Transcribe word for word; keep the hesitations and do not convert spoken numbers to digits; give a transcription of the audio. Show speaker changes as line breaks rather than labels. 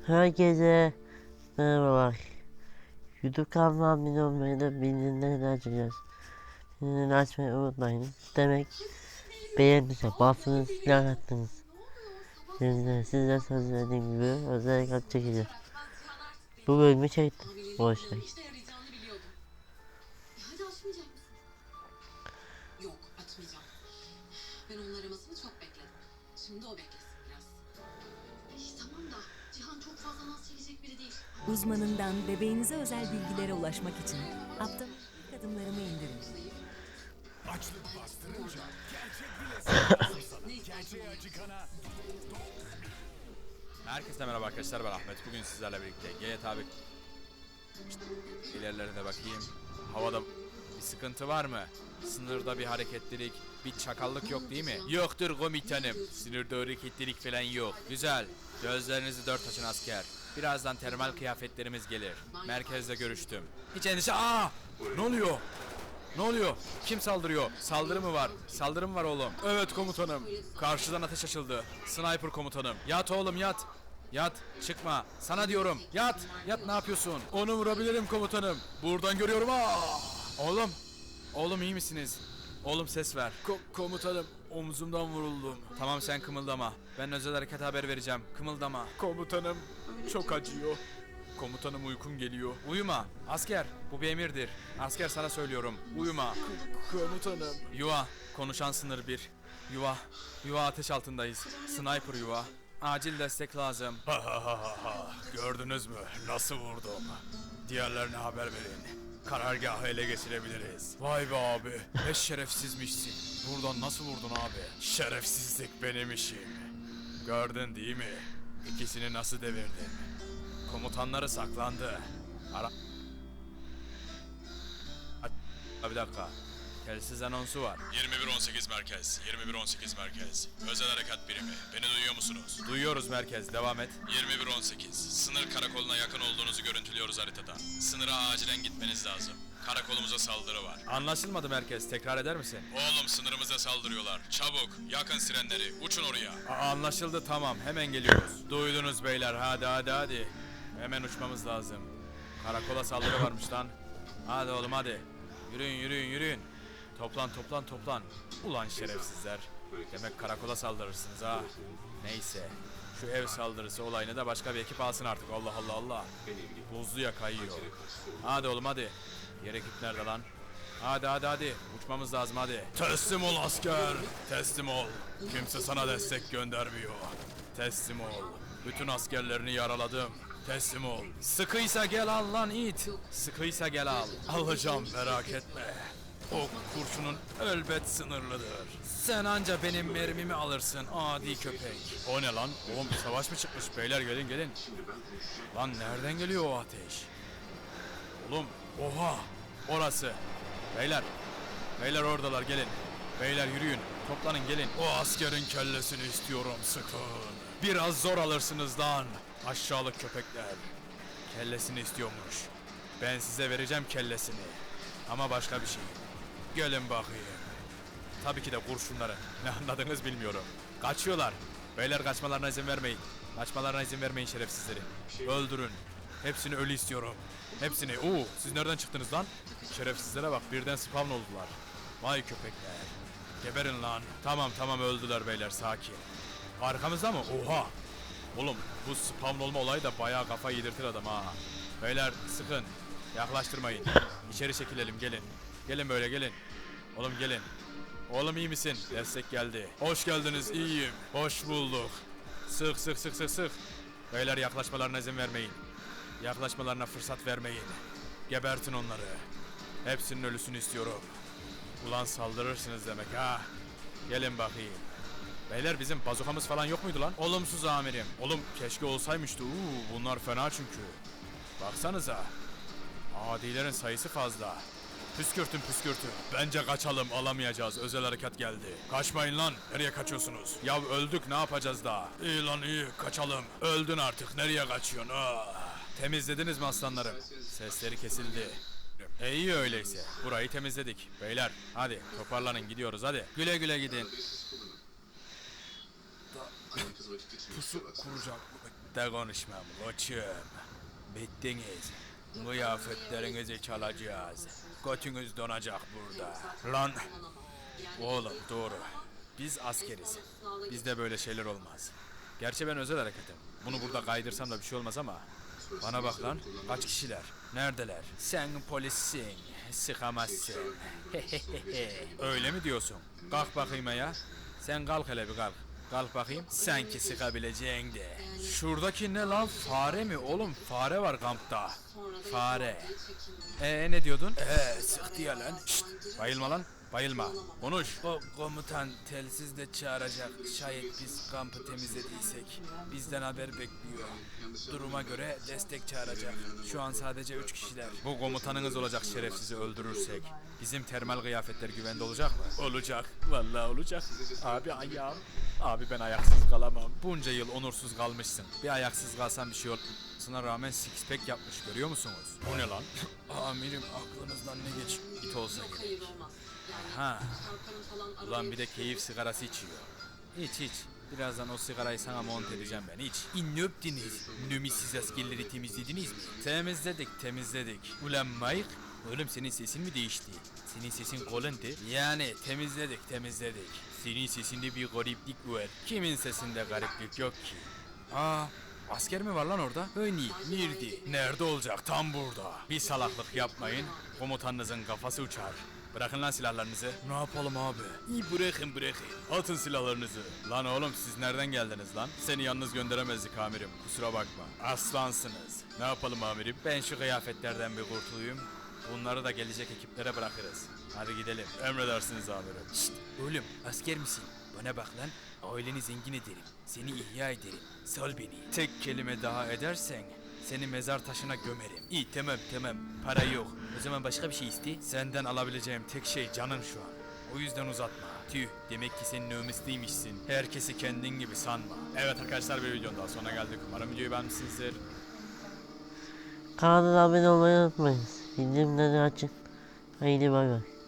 Herkese merhabalar. YouTube kanalıma abone olmayı da bildirimleri açacağız. Bildirimleri açmayı unutmayın. Demek beğendiyse bastınız, like attınız. Şimdi size söz verdiğim gibi özel kat çekeceğim. Bu bölümü çektim. Boş ver.
Yok, açmayacağım. Ben onun aramasını çok bekledim. Şimdi o beklesin biraz. İyi tamam da Cihan çok fazla naz çekecek biri değil.
Uzmanından bebeğinize özel bilgilere ulaşmak için aptal ilk adımlarımı indirin.
Açlık bastırınca gerçek bile sana. Gerçeğe acıkana.
Herkese merhaba arkadaşlar, ben Ahmet. Bugün sizlerle birlikte G T A bir ilerlerine bakayım. Havada bir sıkıntı var mı? Sınırda bir hareketlilik, bir çakallık yok değil mi? Yoktur komutanım. Sınırda hareketlilik falan yok. Güzel. Gözlerinizi dört açın asker. Birazdan termal kıyafetlerimiz gelir. Merkezde görüştüm. Hiç endişe... Aa! Ne oluyor? Ne oluyor? Kim saldırıyor? Saldırı mı var? Saldırı mı var oğlum? Evet komutanım. Karşıdan ateş açıldı. Sniper komutanım. Yat oğlum yat. Yat. Çıkma. Sana diyorum. Yat. Yat, ne yapıyorsun? Onu vurabilirim komutanım. Buradan görüyorum. Aa! Oğlum. Oğlum iyi misiniz? Oğlum ses ver. Ko komutanım omzumdan vuruldum. Tamam sen kımıldama. Ben özel hareket haber vereceğim. Kımıldama. Komutanım çok acıyor. Komutanım uykum geliyor. Uyuma. Asker bu bir emirdir. Asker sana söylüyorum. Uyuma. K komutanım. Yuva. Konuşan sınır bir. Yuva. Yuva ateş altındayız. Sniper yuva. Acil destek lazım. Gördünüz mü? Nasıl vurdum? Diğerlerine haber verin. Karargahı ele geçirebiliriz. Vay be abi. Ne şerefsizmişsin. Buradan nasıl vurdun abi? Şerefsizlik benim işim. Gördün değil mi? İkisini nasıl devirdim? Komutanları saklandı. Ara... Bir dakika. Telsiz anonsu var.
yirmi bir on sekiz merkez. yirmi bir on sekiz merkez. Özel harekat birimi. Beni duyuyor musunuz?
Duyuyoruz merkez. Devam et.
yirmi bir on sekiz. Sınır karakoluna yakın olduğunuzu görüntülüyoruz haritada. Sınıra acilen gitmeniz lazım. Karakolumuza saldırı var.
Anlaşılmadı merkez. Tekrar eder misin?
Oğlum sınırımıza saldırıyorlar. Çabuk. Yakın sirenleri. Uçun oraya.
A- anlaşıldı tamam. Hemen geliyoruz. Duydunuz beyler. Hadi hadi hadi. Hemen uçmamız lazım. Karakola saldırı varmış lan. Hadi oğlum hadi. Yürüyün yürüyün yürüyün. Toplan toplan toplan. Ulan şerefsizler. Demek karakola saldırırsınız ha. Neyse. Şu ev saldırısı olayını da başka bir ekip alsın artık. Allah Allah Allah. Buzluya kayıyor. Hadi oğlum hadi. Yer ekip nerede lan? Hadi hadi hadi. Uçmamız lazım hadi.
Teslim ol asker. Teslim ol. Kimse sana destek göndermiyor.
Teslim ol. Bütün askerlerini yaraladım. Teslim ol. Sıkıysa gel al lan it. Sıkıysa gel al.
Alacağım merak etme. O kurşunun elbet sınırlıdır.
Sen anca benim mermimi alırsın adi köpek. O ne lan? Oğlum bir savaş mı çıkmış? Beyler gelin gelin. Lan nereden geliyor o ateş? Oğlum oha orası. Beyler. Beyler oradalar gelin. Beyler yürüyün. Toplanın gelin.
O askerin kellesini istiyorum sıkın.
Biraz zor alırsınız lan. Aşağılık köpekler. Kellesini istiyormuş. Ben size vereceğim kellesini. Ama başka bir şey. Gelin bakayım. Tabii ki de kurşunları. Ne anladınız bilmiyorum. Kaçıyorlar. Beyler kaçmalarına izin vermeyin. Kaçmalarına izin vermeyin şerefsizleri. Öldürün. Hepsini ölü istiyorum. Hepsini. Oo, siz nereden çıktınız lan? Şerefsizlere bak birden spawn oldular. Vay köpekler. Geberin lan. Tamam tamam öldüler beyler sakin. Arkamızda mı? Oha. Oğlum bu spawn olma olayı da bayağı kafa yedirtir adam ha. Beyler sıkın. Yaklaştırmayın. İçeri çekilelim gelin. Gelin böyle gelin. Oğlum gelin. Oğlum iyi misin? Destek geldi. Hoş geldiniz iyiyim. Hoş bulduk. Sık sık sık sık sık. Beyler yaklaşmalarına izin vermeyin. Yaklaşmalarına fırsat vermeyin. Gebertin onları. Hepsinin ölüsünü istiyorum. Ulan saldırırsınız demek ha. Gelin bakayım. Beyler bizim bazukamız falan yok muydu lan? Olumsuz amirim. Oğlum keşke olsaymıştı. Uuu bunlar fena çünkü. Baksanıza. Adilerin sayısı fazla. Püskürtün püskürtün. Bence kaçalım alamayacağız. Özel harekat geldi. Kaçmayın lan. Nereye kaçıyorsunuz? Ya öldük ne yapacağız daha? İyi lan iyi kaçalım. Öldün artık nereye kaçıyorsun? Ah. Temizlediniz mi aslanlarım? Sesleri kesildi. E iyi öyleyse. Burayı temizledik. Beyler hadi toparlanın gidiyoruz hadi. Güle güle gidin. Pusu kuracak. Hayatta konuşmam koçum. Bittiniz. Kıyafetlerinizi çalacağız. Götünüz donacak burada. Lan oğlum doğru. Biz askeriz. Bizde böyle şeyler olmaz. Gerçi ben özel hareketim. Bunu burada kaydırsam da bir şey olmaz ama. Bana bak lan. Kaç kişiler? Neredeler? Sen polissin. Sıkamazsın. Öyle mi diyorsun? Kalk bakayım ya. Sen kalk hele bir kalk. Kalk bakayım. Sanki sıkabileceğin de. Şuradaki ne lan? Fare mi? Oğlum fare var kampta. Fare. Ee ne diyordun? Ee sıktı ya lan. Şşt, bayılma lan. Bayılma. Konuş. O komutan telsizle çağıracak. Şayet biz kampı temizlediysek bizden haber bekliyor. Duruma göre destek çağıracak. Şu an sadece üç kişiler. Bu komutanınız olacak şerefsizi öldürürsek. Bizim termal kıyafetler güvende olacak mı? Olacak. Vallahi olacak. Abi ayağım. Abi ben ayaksız kalamam. Bunca yıl onursuz kalmışsın. Bir ayaksız kalsan bir şey olmasına rağmen six pack yapmış görüyor musunuz? O ne lan? Amirim aklınızdan ne geç? İt olsa gerek.
Hayır olmaz. Yani
Ha.
Çarkan'ın falan arabaya
Ulan bir de keyif sigarası içiyor. İç iç. Birazdan o sigarayı sana mont edeceğim ben. İç. İn öptünüz. Nümisiz askerleri temizlediniz mi? Temizledik temizledik. Ulan Mike. Oğlum senin sesin mi değişti? Senin sesin kalındı. Yani temizledik temizledik. Senin sesinde bir gariplik var. Kimin sesinde gariplik yok ki? Aa, asker mi var lan orada? Hani nerede? Nerede olacak? Tam burada. Bir salaklık yapmayın. Komutanınızın kafası uçar. Bırakın lan silahlarınızı. Ne yapalım abi? İyi bırakın bırakın. Atın silahlarınızı. Lan oğlum siz nereden geldiniz lan? Seni yalnız gönderemezdik amirim. Kusura bakma. Aslansınız. Ne yapalım amirim? Ben şu kıyafetlerden bir kurtulayım. Bunları da gelecek ekiplere bırakırız. Hadi gidelim. Emredersiniz amirim. Şşt oğlum asker misin? Bana bak lan. Aileni zengin ederim. Seni ihya ederim. Sal beni. Tek kelime daha edersen seni mezar taşına gömerim. İyi tamam tamam. Para yok. O zaman başka bir şey iste. Senden alabileceğim tek şey canın şu an. O yüzden uzatma. Tüh demek ki sen nömisliymişsin. Herkesi kendin gibi sanma. Evet arkadaşlar bir videonun daha sonuna geldik. Umarım videoyu beğenmişsinizdir.
Kanala abone olmayı unutmayın. Bildirimleri açın. Haydi bay bay.